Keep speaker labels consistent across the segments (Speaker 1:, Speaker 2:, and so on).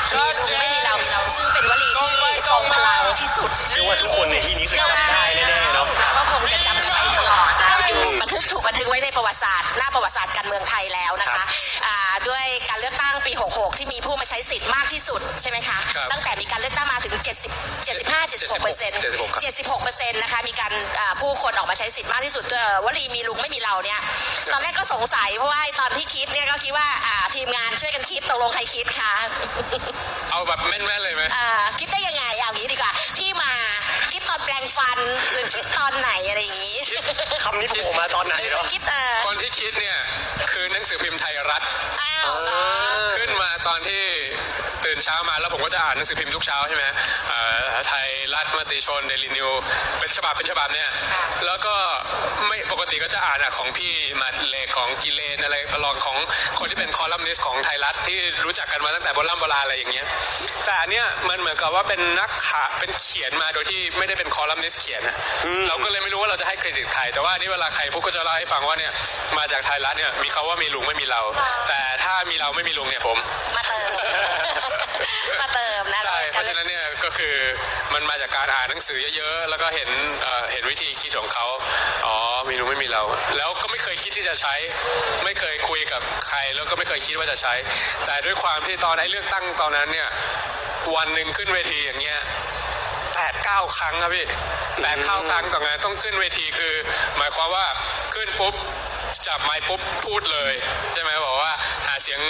Speaker 1: ไม่มีเรามีเราซึ่งเป็นวลีที่ทรงพลังที่สุด
Speaker 2: เชื่อว่าทุกคนในที่นี้คือจำได้แน่ๆเนาะ
Speaker 1: ก็คงจะจำกันไปตลอดนะอยู่ถูกบันทึกไว้ในประวัติศาสตร์หน้าประวัติศาสตร์การเมืองไทยแล้วนะคะด้วยการเลือกตั้งปี 66 ที่มีผู้มาใช้สิทธิ์มากที่สุดใช่ไหมคะตั้งแต่มีการเลือกตั้งมาถึง 76% นะคะมีการผู้คนออกมาใช้สิทธิ์มากที่สุดวลีมีลุงไม่มีเราเนี่ยตอนแรกก็สงสัยเพราะว่าตอนที่คิดเนี่ยก็คิดว่าทีมงานช่วยกันคิดตกลงใครคิดคะ
Speaker 3: เอาแบบแม่นๆเลยไหม
Speaker 1: คิดได้ยังไงเอางี้ดีกว่าที่มาคิดตอนแปลงฟันหรือคิดตอนไหนอะไรอย่างงี้
Speaker 2: คำนี้โผล่มาตอนไหนเนาะ
Speaker 3: คนที่คิดเนี่ยคือหนังสือพิมพ์ไทยรัฐขึ้นมาตอนที่ตื่นเช้ามาแล้วผมก็จะอ่านหนังสือพิมพ์ทุกเช้าใช่ไหมไทยรัฐมติชนเดลินิวเป็นฉบับเนี่ยแล้วก็ไม่ปกติก็จะอ่านของพี่มาเลของกิเลนอะไรประลองของคนที่เป็นคอลัมนิสต์ของไทยรัฐที่รู้จักกันมาตั้งแต่โบราณอะไรอย่างเงี้ยแต่อันเนี้ยมันเหมือนกับว่าเป็นนักข่าวเป็นเขียนมาโดยที่ไม่ได้เป็นคอลัมนิสต์เขียนเราก็เลยไม่รู้ว่าเราจะให้เครดิตใครแต่ว่านี่เวลาใครพูดก็จะเล่าให้ฟังว่าเนี่ยมาจากไทยรัฐเนี่ยมีเขาว่ามีลุงไม่มีเราแต่ถ้ามีเราไม่มีลุงเนี่ยผม
Speaker 1: มาเติมนะ
Speaker 3: ใช่เพราะฉะนั้นเนี่ยก็คือมันมาจากการอ่านหนังสือเยอะๆแล้วก็เห็นวิธีคิดของเขามีลุงไม่มีเราแล้วก็ไม่เคยคิดที่จะใช้ไม่เคยคุยกับใครแล้วก็ไม่เคยคิดว่าจะใช้แต่ด้วยความที่ตอนเลือกตั้งตอนนั้นเนี่ยวันหนึ่งขึ้นเวทีอย่างเงี้ย8-9 ครั้งครับพี่8-9 ครั้งต่องานต้องขึ้นเวทีคือหมายความว่าขึ้นปุ๊บจับไมค์ปุ๊บพูดเลยใช่ไหมบอกว่าหาเสียง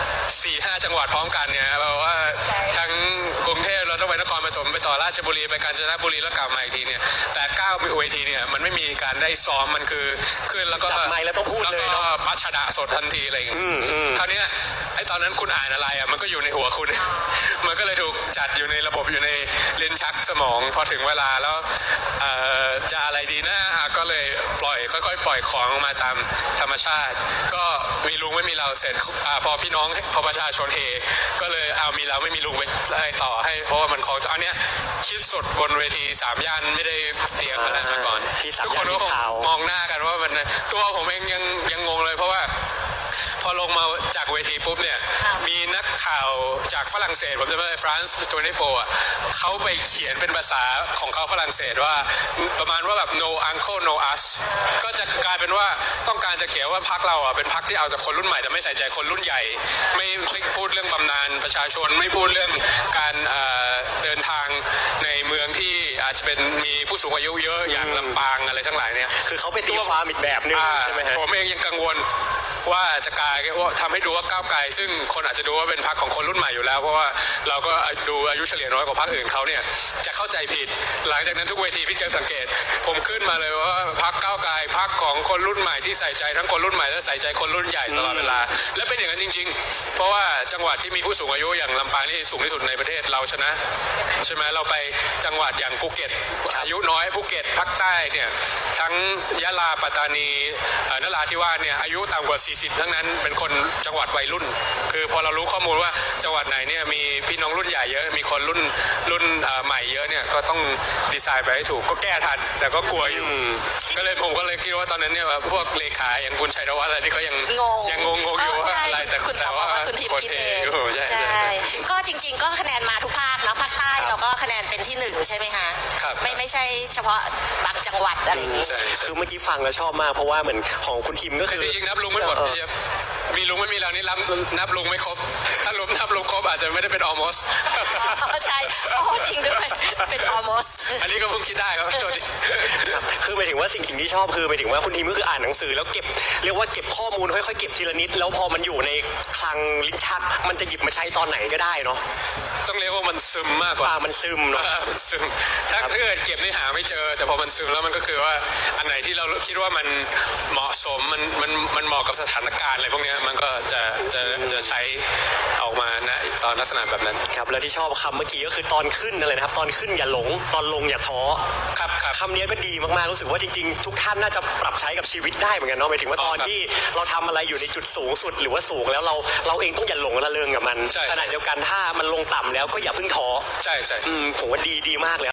Speaker 3: 4-5 จังหวัดพร้อมกันเนี่ยบอกว่าทั้งกรุงเทพเราต้องไปนครปฐมไปต่อราชบุรีไปกาญจนบุรีแล้วกลับมาอีกทีเนี่ยแต่9 เวทีเนี่ยมันไม่มีการได้ซ้อมมันคือขึ้นแล้วก็
Speaker 2: จับไมค์แล้วต้องพูดเลย
Speaker 3: แล้วก็พัชดะสดทันทีอะไรอย่างเงี้ยคราวนี้ไอ้ตอนนั้นคุณอ่านอะไรมันก็อยู่ในหัวคุณมันก็เลยถูกจัดอยู่ในระบบอยู่ในลิ้นชักสมองพอถึงเวลาแล้วจะอะไรดีนะก็เลยค่อยๆปล่อยของออกมาตามธรรมชาติก็มีลุงไม่มีเราเสร็จพอพี่น้องพอประชาชนเฮก็เลยเอามีเราไม่มีลุงไปให้ต่อให้เพราะว่ามันของอันเนี้ยคิดสดบนเวที3 ย่านไม่ได้เตรียมอะไรมาก่อนทุกคนก็คงมองหน้ากันว่ามันตัวผมเองยังงงเลยเพราะว่าพอลงมาจากเวทีปุ๊บเนี่ยมีนักข่าวจากฝรั่งเศสผมจำได้ฟรานซ์24เขาไปเขียนเป็นภาษาของเขาฝรั่งเศสว่าประมาณว่าแบบ no uncle no us ก็จะกลายเป็นว่าต้องการจะเขียนว่าพรรคเราเป็นพรรคที่เอาแต่คนรุ่นใหม่แต่ไม่ใส่ใจคนรุ่นใหญ่ไม่พูดเรื่องบำนาญประชาชนไม่พูดเรื่องการเดินทางในเมืองที่อาจจะเป็นมีผู้สูงอายุเยอะอย่างลำปางอะไรทั้งหลายเนี่ย
Speaker 2: คือเขาไปตีความอีกแบบนึงใช่ไหมฮะ
Speaker 3: ผมเองยังกังวลว่าจะกลายว่าทำให้ดูว่าก้าวไกลซึ่งคนอาจจะดูว่าเป็นพรรคของคนรุ่นใหม่อยู่แล้วเพราะว่าเราก็ดูอายุเฉลี่ยน้อยกว่าพรรคอื่นเขาเนี่ยจะเข้าใจผิดหลังจากนั้นทุกเวทีพี่เจสังเกตผมขึ้นมาเลยว่าพรรคก้าวไกลพรรคของคนรุ่นใหม่ที่ใส่ใจทั้งคนรุ่นใหม่และใส่ใจคนรุ่นใหญ่ตลอดเวลาและเป็นอย่างนั้นจริงๆเพราะว่าจังหวัดที่มีผู้สูงอายุอย่างลำปางนี่สูงที่สุดในประเทศเราชนะใช่ไหมเราไปจังหวัดอย่างภูเก็ตอายุน้อยภูเก็ตภาคใต้เนี่ยทั้งยะลาปัตตานีนราธิวาสเนี่ยอายุต่ำกว่า40ทั้งนั้นเป็นคนจังหวัดวัยรุ่นคือพอเรารู้ข้อมูลว่าจังหวัดไหนเนี่ยมีพี่น้องรุ่นใหญ่เยอะมีคนรุ่นใหม่เยอะเนี่ยก็ต้องดีไซน์ไปให้ถูกก็แก้ทันแต่ก็กลัวอยู่ก็เลยผมก็เลยคิดว่าตอนนั้นเนี่ยพวกเลขาอย่างคุณชัยธวัฒน์อะไรที่เขายังงงอยู่ว่าอะไรแต่ว่า
Speaker 1: คุณทีมคิดเอง
Speaker 3: ใช่
Speaker 1: ก็จริงๆก็คะแนนมาทุกภาคนะภาคใต้เราก็คะแนนเป็นที่1ใช่ไหมคะไม่ใช่เฉพาะบางจังหวัดอะไรอย่างนี้
Speaker 2: คือเมื่อกี้ฟังแล้วชอบมากเพราะว่าเหมือนของคุณทีมก็คือ
Speaker 3: จริงๆนับลุงไม่หมดมีลุงไม่มีเรานี่นับลุงไม่ครบถ้านับลุงครบอาจจะไม่ได้เป็น almost
Speaker 1: ใช่จริงด้วยเป็น almost
Speaker 3: อันนี้ก็เพิ่งคิดได้ครับ
Speaker 2: คือหมายถึงว่าสิ่งที่ชอบคือหมายถึงว่าคุณทีมก็คืออ่านหนังสือแล้วเก็บเรียกว่าเก็บข้อมูลค่อยๆเก็บทีละนิดแล้วพอมันอยู่ในคลังลิ้นชักมันจะหยิบมาใช้ตอนไหนก็ได้เนาะ
Speaker 3: ต้องเรียกว่ามันซึมมากกว่า
Speaker 2: มันซึมเนาะ
Speaker 3: มันซึมถ้าเกิดเก็บนี่หาไม่เจอแต่พอมันซึมแล้วมันก็คือว่าอันไหนที่เราคิดว่ามันเหมาะสมมันเหมาะกับสถานการณ์อะไรพวกนี้มันก็จะใช้ออกมาณตอนลักษณะแบบนั้น
Speaker 2: ครับแล้วที่ชอบคำเมื่อกี้ก็คือตอนขึ้นอะไรนะครับตอนขึ้นอย่าหลงตอนลงอย่าท้อ
Speaker 3: ครับ
Speaker 2: คำนี้ก็ดีมากๆรู้สึกว่าจริงๆทุกท่านน่าจะปรับใช้กับชีวิตได้เหมือนกันเนาะหมายถึงว่าตอนที่เราทำอะไรอยู่ในจุดสูงสุดหรือว่าสูงแล้วเราเองต้องอย่าหลงระเริงกับมันขณะเดียวกันถ้ามันลงต่ำแล้วก็อย่าเพิ่งท้อ
Speaker 3: ใช่
Speaker 2: ผมว่าดีมากเลย